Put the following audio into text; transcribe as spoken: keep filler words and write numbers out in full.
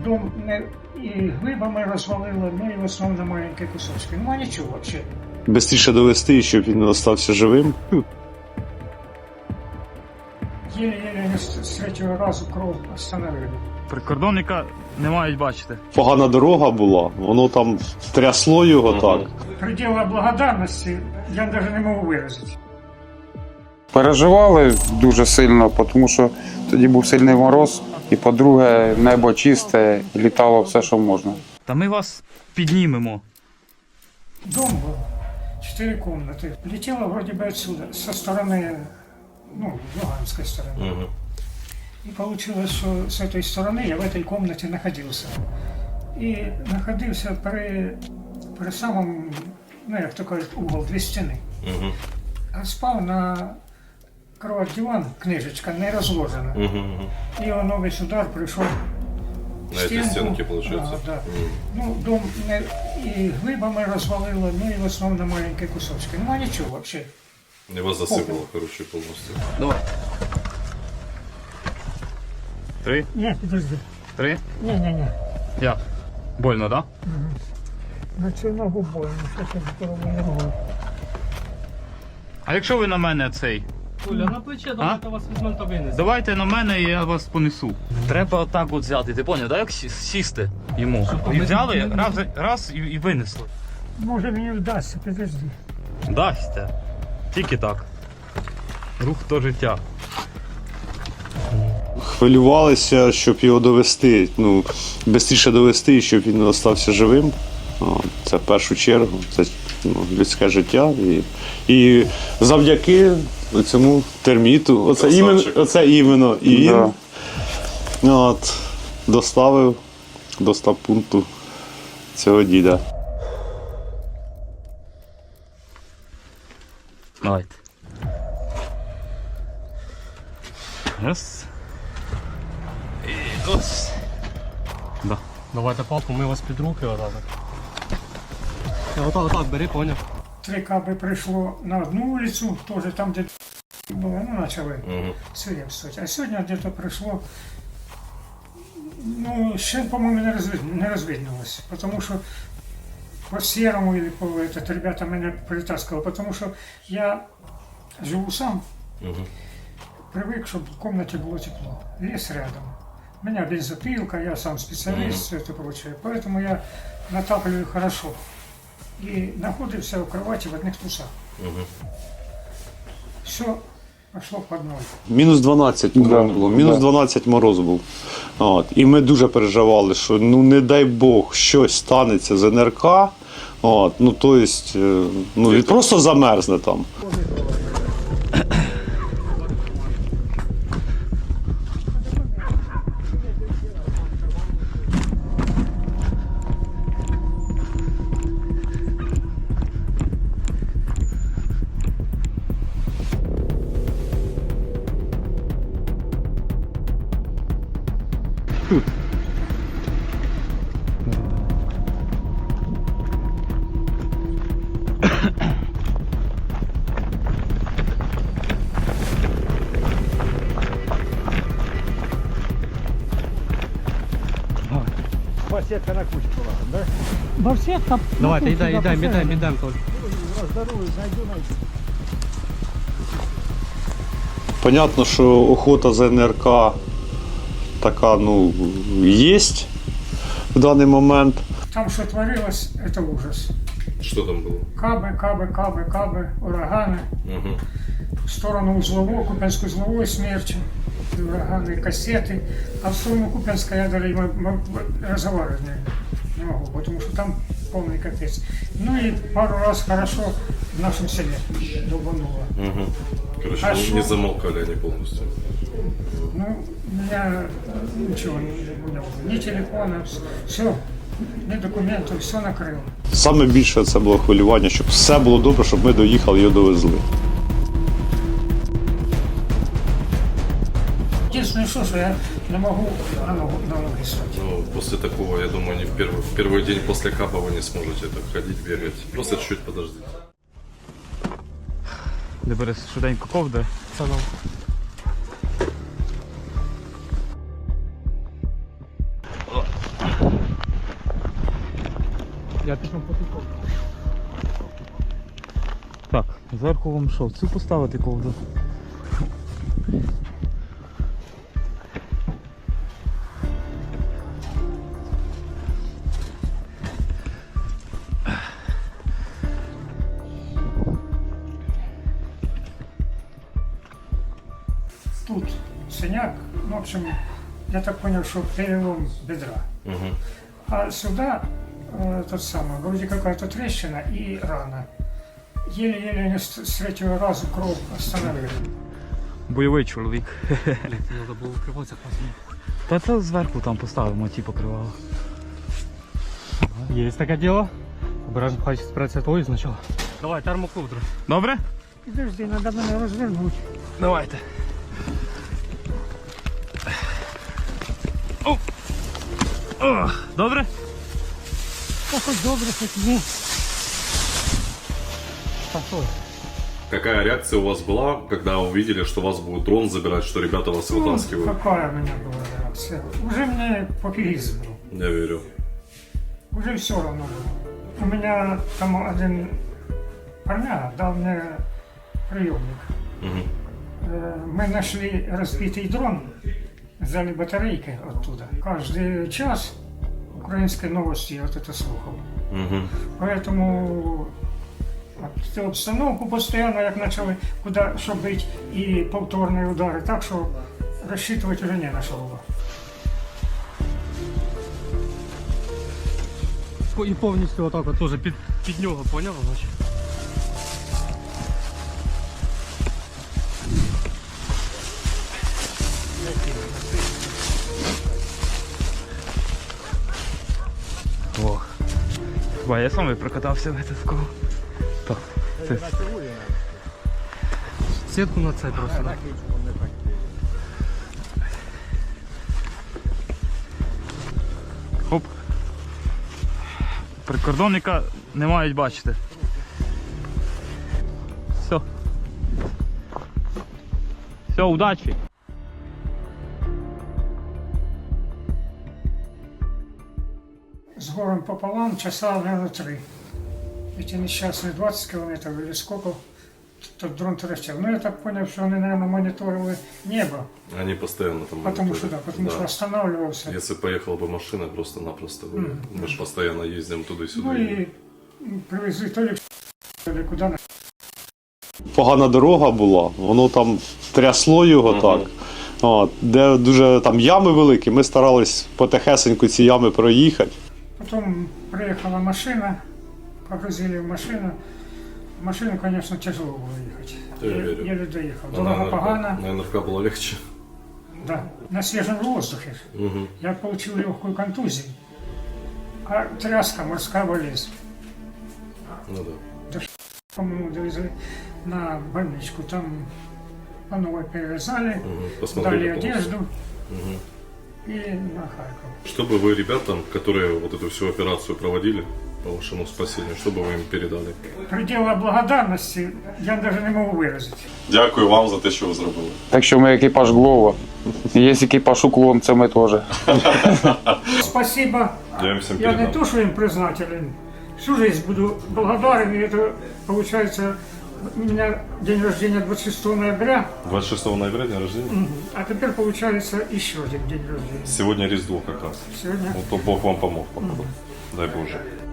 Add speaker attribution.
Speaker 1: дом не і глибами розвалило, ну і в основному на маленькі кусочки. Нема нічого взагалі.
Speaker 2: Бистріше довести, щоб він залишився живим.
Speaker 1: Єле-єле з третього разу кров остановили.
Speaker 3: Прикордонника не мають бачити.
Speaker 2: Погана дорога була, воно там трясло його так.
Speaker 1: Приділа благодарності я навіть не можу виразити.
Speaker 4: Переживали дуже сильно, тому що тоді був сильний мороз, і, по-друге, небо чисте, і літало все, що можна.
Speaker 3: Та ми вас піднімемо.
Speaker 1: Дом був, чотири кімнати. Летіло вроді би отсюда, со сторони, ну, Луганської сторони.
Speaker 5: Угу.
Speaker 1: И получилось, что с этой стороны я в этой комнате находился. И находился при, при самом, ну, як то кажуть, угол, дві стіни.
Speaker 5: Угу.
Speaker 1: А спав на кровать-диван, книжечка не розложена.
Speaker 5: Угу.
Speaker 1: І воно весь удар прийшов в
Speaker 5: На эти
Speaker 1: стінку.
Speaker 5: стенки, получается?
Speaker 1: Да, да.
Speaker 5: Угу.
Speaker 1: Ну, дом не, і глибами розвалило, ну і в основному на маленькі кусочки. Нема нічого взагалі.
Speaker 5: Его засыпало, короче, полностью.
Speaker 3: Давай. Три?
Speaker 1: Ні, підожди.
Speaker 3: Три?
Speaker 1: Ні, ні, ні.
Speaker 3: Як? Больно, так?
Speaker 1: На цю ногу больно, що це здорову ногу.
Speaker 3: А якщо ви на мене цей?
Speaker 6: Оля, на плече, давайте вас візьмемо та винесемо.
Speaker 3: Давайте на мене і я вас понесу. Треба отак от взяти, ти поняв, так? Як сі- сісти йому. І взяли, раз, раз і, і винесли.
Speaker 1: Може мені вдасться, підожди.
Speaker 3: Дасться. Тільки так. Рух то життя.
Speaker 2: Хвилювалися, щоб його довести, ну, швидше довести, щоб він залишився живим. О, це в першу чергу, це ну, людське життя. І, і завдяки цьому терміту, оце іменно, оце іменно і він
Speaker 4: Да.
Speaker 2: от, доставив до стаб-пункту цього діда.
Speaker 3: Давайте. Раз. І ось. Да.
Speaker 6: Давайте папу, ми вас під руки отак. Отак, отак, бери, поняв.
Speaker 1: Три каби прийшло на одну вулицю, теж там, де було, ну, почали
Speaker 5: Угу.
Speaker 1: свирепствувати. А сьогодні десь прийшло, ну, ще, по-моєму, не, розвид... не розвиднулося, тому що по серому или по этот, ребята мене притаскали, тому що я живу сам,
Speaker 5: Угу.
Speaker 1: привик, щоб в кімнаті було тепло, ліс рядом. У меня бензопилка, я сам специалист, все это прочее, поэтому я натапливаю хорошо. И находился в кровати в одних трусах.
Speaker 5: Угу.
Speaker 1: Все пошло под ноль.
Speaker 2: Мінус дванадцять
Speaker 4: Да,
Speaker 2: було, мінус
Speaker 4: да.
Speaker 2: дванадцять мороз був. От. І ми дуже переживали, що ну не дай Бог щось станеться з ен ер ка. От. Ну, то есть, е, ну, він просто замерзне там.
Speaker 1: Барсетка.
Speaker 6: Давайте, йдемо, йдемо, йдемо, йдемо, Толь.
Speaker 2: Понятно, що охота за ен ер ка така, ну, є в даний момент.
Speaker 1: Там, что творилось, это ужас.
Speaker 5: Что там было?
Speaker 1: Кабы, кабы, кабы, кабы, ураганы.
Speaker 5: Угу.
Speaker 1: В сторону узлового, Купянско-узловой смерчи, ураганы, кассеты. А в сторону Купянска я даже м- м- разговаривать не, не могу, потому что там полный капец. Ну и пару раз хорошо в нашем селе долбануло.
Speaker 5: Угу. Короче,
Speaker 1: А
Speaker 5: не,
Speaker 1: шо?
Speaker 5: не замолкали они полностью.
Speaker 1: Ну, у меня э, ничего не, не было. Ни телефона, все, ни документов, все накрыло.
Speaker 2: Саме більше це було хвилювання, щоб все було добре, щоб ми доїхали і його довезли.
Speaker 1: Единственное, что, что я не могу на ногу, на ноги стать.
Speaker 5: Ну, после такого, я думаю, не в первый, в первый день после капа вы не сможете так ходить, бегать. Просто чуть-чуть подождите.
Speaker 3: Де береш швиденько ковдри.
Speaker 6: Це нам. Я пішов по тут.
Speaker 3: Так, зверху вам що, цю поставити ковдру?
Speaker 1: Тут синяк, ну, в общем, я так понял, что перелом бедра.
Speaker 5: Мгм.
Speaker 1: А сюда э, тот самый, вроде какая-то трещина и рана. Еле-еле они с, с третьего раза кровь остановили.
Speaker 3: Бойовий чоловік.
Speaker 6: Треба було укриватися класно.
Speaker 3: Та це зверху там поставимо, ті покривало.
Speaker 6: Є таке діло. Обережно, хай спреться твою спочатку. Давай, термоковдру.
Speaker 3: Добре?
Speaker 1: Подожди, надо мене розвернути.
Speaker 3: Давайте. О! О! Добре?
Speaker 1: Та хоч добре, хоч ні.
Speaker 6: Пошов.
Speaker 5: Какая реакция у вас была, когда увидели, что вас будет дрон забирать, что ребята вас
Speaker 1: Ну,
Speaker 5: вытаскивают?
Speaker 1: какая у меня была реакция? Уже мне популизм был.
Speaker 5: Я верю.
Speaker 1: Уже все равно было. У меня там один парня дал мне приемник.
Speaker 5: Мгм.
Speaker 1: Э, Мы нашли разбитый дрон, взяли батарейки оттуда. Каждый час украинской новости я вот это слухал.
Speaker 5: Мгм.
Speaker 1: Поэтому от цю обстановку постійно, як почали куди що бити, і повторні удари, так що розчитувати вже не на що було.
Speaker 6: І повністю отак от теж під, під нього, поняв? Значить?
Speaker 3: Ох. Ба, я сам і прокатався в этот кол. Так, це
Speaker 6: Сітку на це просто. Да?
Speaker 3: хоп. Прикордонника не мають бачити. Все. Все, удачі.
Speaker 1: З горем пополам, часа, наверное, три. Эти несчастные двадцать километров или сколько тот дрон торчал. Ну, я так понял, что они, наверное, мониторили небо,
Speaker 5: Они постоянно там...
Speaker 1: потому что,
Speaker 5: мониторят.
Speaker 1: да, потому что останавливался.
Speaker 5: Если поехала бы машина, просто-напросто бы. Мы же постоянно ездим туда-сюда.
Speaker 1: Ну и привезли то ли в то ли куда.
Speaker 2: Погана дорога була, воно там трясло його
Speaker 5: Мгм.
Speaker 2: так. От, де дуже там ями великі, ми старались потихесеньку ці ями проїхати.
Speaker 1: Потом приехала машина, погрузили в машину. В машину, конечно, тяжело было ехать.
Speaker 5: Я
Speaker 1: Е-
Speaker 5: верю.
Speaker 1: Еле доехал.
Speaker 5: А
Speaker 1: Дорога
Speaker 5: на
Speaker 1: погана.
Speaker 5: эн эр ка было легче.
Speaker 1: Да, на свежем воздухе.
Speaker 5: Мгм.
Speaker 1: Я получил легкую контузию. А тряска, морская болезнь.
Speaker 5: Ну да.
Speaker 1: По-моему, довезли на больничку. Там по новой перевязали,
Speaker 5: Мгм.
Speaker 1: дали
Speaker 5: Посмотрели полностью.
Speaker 1: одежду
Speaker 5: Мгм.
Speaker 1: и на Харьков.
Speaker 5: Что бы вы ребятам, которые вот эту всю операцию проводили по вашему спасению, что бы вы им передали?
Speaker 1: Предела благодарности я даже не могу выразить.
Speaker 5: Дякую вам за те, що ви зробили.
Speaker 4: Так що ми екіпаж Глова. Є екіпаж Уклон, це ми теж.
Speaker 1: Спасибо.
Speaker 5: Я им всем
Speaker 1: Я не
Speaker 5: передам.
Speaker 1: то, что им признателен. Всю жизнь буду благодарен. И это получается у меня день рождения двадцать шестого ноября,
Speaker 5: двадцать шестого ноября день рождения.
Speaker 1: а теперь получается еще один день рождения.
Speaker 5: Сегодня Різдво как раз.
Speaker 1: Сегодня
Speaker 5: Вот то Бог вам помог, походу. Дай Боже.